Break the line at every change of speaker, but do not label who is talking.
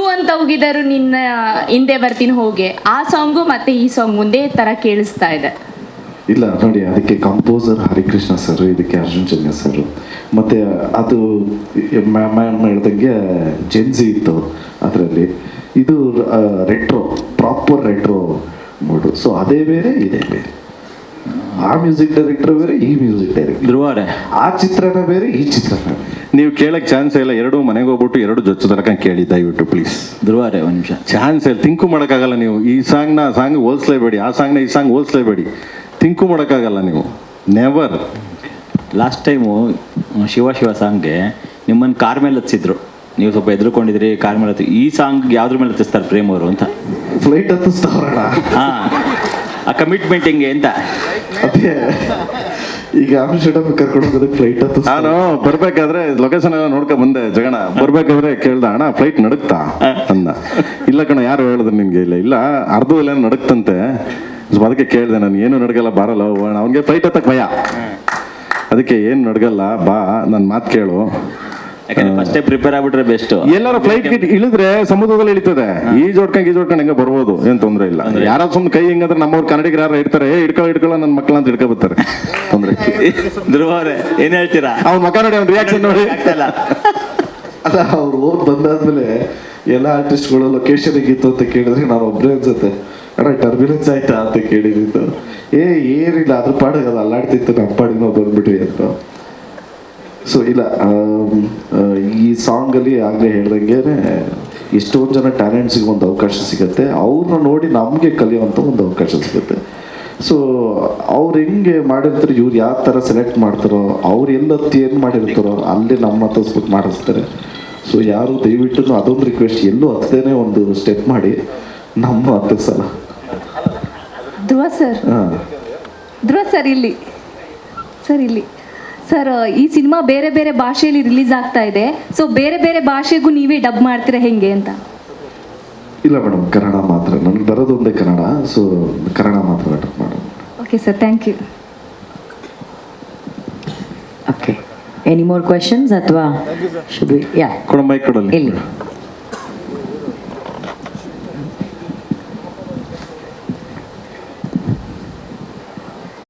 ಅಂತ ಹೋಗಿದರು ನಿನ್ನ ಹಿಂದೆ ಬರ್ತೀನಿ ಹೋಗೆ, ಆ ಸಾಂಗು ಮತ್ತೆ ಈ ಸಾಂಗ್ ಒಂದೇ ತರ ಕೇಳಿಸ್ತಾ ಇದೆ.
ಇಲ್ಲ ನೋಡಿ, ಅದಕ್ಕೆ ಕಂಪೋಸರ್ ಹರಿಕೃಷ್ಣ ಸರ್, ಇದಕ್ಕೆ ಅರ್ಜುನ್ ಜನ್ಯ ಸರ್, ಮತ್ತು ಅದು ಮ್ಯಾಮ್ ಹೇಳ್ದಂಗೆ ಜೆನ್ಸಿ ಇತ್ತು ಅದರಲ್ಲಿ. ಇದು retro, proper retro mood. So ಅದೇ ಬೇರೆ ಇದೇ ಬೇರೆ. ಆ ಮ್ಯೂಸಿಕ್ ಡೈರೆಕ್ಟರ್ ಬೇರೆ, ಈ ಮ್ಯೂಸಿಕ್ ಡೈರೆಕ್ಟರ್
ಧ್ರುವರೇ,
ಆ ಚಿತ್ರನ ಬೇರೆ, ಈ ಚಿತ್ರನ ಬೇರೆ.
ನೀವು ಕೇಳಕ್ಕೆ ಚಾನ್ಸ್ ಇಲ್ಲ. ಎರಡು ಮನೆಗೆ ಹೋಗ್ಬಿಟ್ಟು ಎರಡು ಜೊಚ್ಚು ತನಕ ಕೇಳಿ ದಯವಿಟ್ಟು ಪ್ಲೀಸ್.
ಧ್ರುವರೇ ಒಂದು ನಿಮಿಷ,
ಚಾನ್ಸ್ ಇಲ್ಲ, ಥಿಂಕು ಮಾಡೋಕ್ಕಾಗಲ್ಲ ನೀವು. ಈ ಸಾಂಗ್ನ ಆ ಸಾಂಗ್ ಹೋಲಿಸ್ಲೇಬೇಡಿ, ಆ ಸಾಂಗ್ನ ಈ ಸಾಂಗ್ ಹೋಲಿಸ್ಲೇಬೇಡಿ. ಥಿಂಕು ಮಾಡೋಕ್ಕಾಗಲ್ಲ ನೀವು, ನೆವರ್.
ಲಾಸ್ಟ್ ಟೈಮು ಶಿವ ಸಾಂಗ್ಗೆ ನಿಮ್ಮನ್ನು ಕಾರ್ ಮೇಲೆ ಹತ್ತಿಸಿದ್ರು, ನೀವು ಸ್ವಲ್ಪ ಎದುರುಕೊಂಡಿದ್ರಿ, ಕಾರ್ ಮೇಲೆ ಹತ್ತಿ. ಈ ಸಾಂಗ್ ಯಾವ್ದ್ರ ಮೇಲೆ ಹತ್ತಿಸ್ತಾರೆ ಪ್ರೇಮ್ ಅವರು ಅಂತ?
ಫ್ಲೈಟ್ ಹತ್ತಿಸ್ತಾವ್ರಣ.
ಹಾಂ, ಆ ಕಮಿಟ್ಮೆಂಟ್ ಹೆಂಗೆ ಅಂತ.
ಅದೇ ಈಗ ಆಮ್ಸ್ಟರ್ಡಮ್ ಕರ್ಕೊಂಡು ಹೋಗೋದಕ್ಕೆ ಫ್ಲೈಟ್ ಹತ್ತಿಸ್.
ನಾನು ಬರ್ಬೇಕಾದ್ರೆ ಲೊಕೇಶನ್ ಎಲ್ಲ ನೋಡ್ಕೊಂಡ್ ಬಂದೆ ಜಗಣ. ಬರ್ಬೇಕಾದ್ರೆ ಕೇಳ್ದ, ಅಣ್ಣ ಫ್ಲೈಟ್ ನಡುಕ್ತಾ ಅಂದ. ಇಲ್ಲ ಕಣ, ಯಾರು ಹೇಳಿದ್ರು ನಿನ್ಗೆ? ಇಲ್ಲ ಅರ್ಧದಲ್ಲಿ ಏನೋ ನಡುಕ್ತಂತೆ. ಸೊ ಅದಕ್ಕೆ ಕೇಳಿದೆ ನಾನು, ಏನು ನಡ್ಗಲ್ಲ ಬಾರಲ್ಲ ಅವನಿಗೆ ಫ್ಲೈಟ್ ಹತ್ತಕ್ಕೆ ಭಯ. ಅದಕ್ಕೆ ಏನು ನಡ್ಗಲ್ಲ ಬಾ, ನನ್ನ ಮಾತು ಕೇಳು.
ಯಾಕಂದ್ರೆ ಫಸ್ಟೇ ಪ್ರಿಪೇರ್ ಆಗ್ಬಿಟ್ರೆ ಬೆಸ್ಟ್.
ಎಲ್ಲಾರು ಫ್ಲೈಟ್ ಇಳಿದ್ರೆ ಸಮುದ್ರದಲ್ಲಿ ಇಳಿತದೆ, ಈಜೋಡ್ಕೊಂಡು ಹೆಂಗ ಬರ್ಬೋದು, ಏನ್ ತೊಂದ್ರೆ ಇಲ್ಲ. ಯಾರು ಸುಮ್ಮನೆ ಕೈ ಹಿಂಗಂದ್ರೆ ನಮ್ಮವ್ರು ಕನ್ನಡಿಗರು ಯಾರು ಇರ್ತಾರೆ, ಹಿಡ್ಕೊಳ್ಳೋ ನನ್ನ ಮಕ್ಕಳ ಅಂತ ಹಿಡ್ಕೊಬರ್ತಾರೆ, ತೊಂದ್ರೆ.
ಧ್ರುವರೇ ಏನ್ ಹೇಳ್ತೀರಾ?
ಅವ್ನ ಮಕ್ಕ ನೋಡಿ, ಅವ್ನ ರಿಯಾಕ್ಷನ್ ನೋಡಿ.
ಅಲ್ಲ, ಅವ್ರು ಓದ್ ಬಂದಾದ್ಮೇಲೆ ಎಲ್ಲ ಆರ್ಟಿಸ್ಟ್ಗಳು ಲೊಕೇಶನ್ ಹೇಗಿತ್ತು ಅಂತ ಕೇಳಿದ್ರೆ ನಾನು ಒಬ್ಬರೇ ಅನ್ಸುತ್ತೆ, ಅಣ್ಣ ಟರ್ಬ್ಯುಲೆನ್ಸ್ ಆಯ್ತಾ ಅಂತ ಕೇಳಿದ್ದು. ಏನಿಲ್ಲ, ಅದ್ರ ಪಾಡಿಗೆ ಅದು ಅಲ್ಲಾಡ್ತಿತ್ತು, ನಮ್ಮ ಪಾಡಿಗೆ ನಾವು ಬಂದ್ಬಿಟ್ವಿ ಅಂತ. ಸೊ ಇಲ್ಲ, ಈ ಸಾಂಗಲ್ಲಿ ಆಗಲೇ ಹೇಳ್ದಂಗೆ ಎಷ್ಟೊಂದು ಜನ ಟ್ಯಾಲೆಂಟ್ಸಿಗೆ ಒಂದು ಅವಕಾಶ ಸಿಗುತ್ತೆ, ಅವ್ರನ್ನ ನೋಡಿ ನಮಗೆ ಕಲಿಯುವಂಥ ಒಂದು ಅವಕಾಶ ಸಿಗುತ್ತೆ. ಸೊ ಅವ್ರು ಹೆಂಗೆ ಮಾಡಿರ್ತಾರೆ, ಇವ್ರು ಯಾವ ಥರ ಸೆಲೆಕ್ಟ್ ಮಾಡ್ತಾರೋ, ಅವ್ರು ಎಲ್ಲೊತ್ತು ಏನು ಮಾಡಿರ್ತಾರೋ ಅಲ್ಲಿ ನಮ್ಮ ಹತ್ತಿಸ್ಬಿಟ್ಟು ಮಾಡಿಸ್ತಾರೆ. ಸೊ ಯಾರು ದಯವಿಟ್ಟು ಅದೊಂದು ರಿಕ್ವೆಸ್ಟ್, ಎಲ್ಲೂ ಹತ್ತದೇನೆ ಒಂದು ಸ್ಟೆಪ್ ಮಾಡಿ ನಮ್ಮ ಹತ್ತಿಸಲ್ಲ.
ಧ್ರುವ ಸರ್,
ಹಾಂ
ಧ್ರುವ ಸರ್ ಇಲ್ಲಿ ಸರ್, ಈ ಸಿನಿಮಾ ಬೇರೆ ಬೇರೆ ಭಾಷೆಯಲ್ಲಿ ರಿಲೀಸ್ ಆಗ್ತಾ ಇದೆ. ಸೊ ಬೇರೆ ಬೇರೆ ಭಾಷೆಗೂ ನೀವೇ ಡಬ್ ಮಾಡ್ತೀರಾ ಹೆಂಗೆ ಅಂತ?
ಇಲ್ಲ ಮೇಡಮ್, ಕನ್ನಡ ಮಾತ್ರ. ನನಗೆ ಬರೋದು ಒಂದೇ ಕನ್ನಡ, ಸೊ ಕನ್ನಡ ಮಾತ್ರ ಡಬ್ ಮಾಡೋದು.
Okay sir, thank you.
Okay. Any more questions? Atwa should we? Yeah.
ಕೊಡ ಮೈಕ್ ಕೊಡಲ್ಲಿ.
Illi.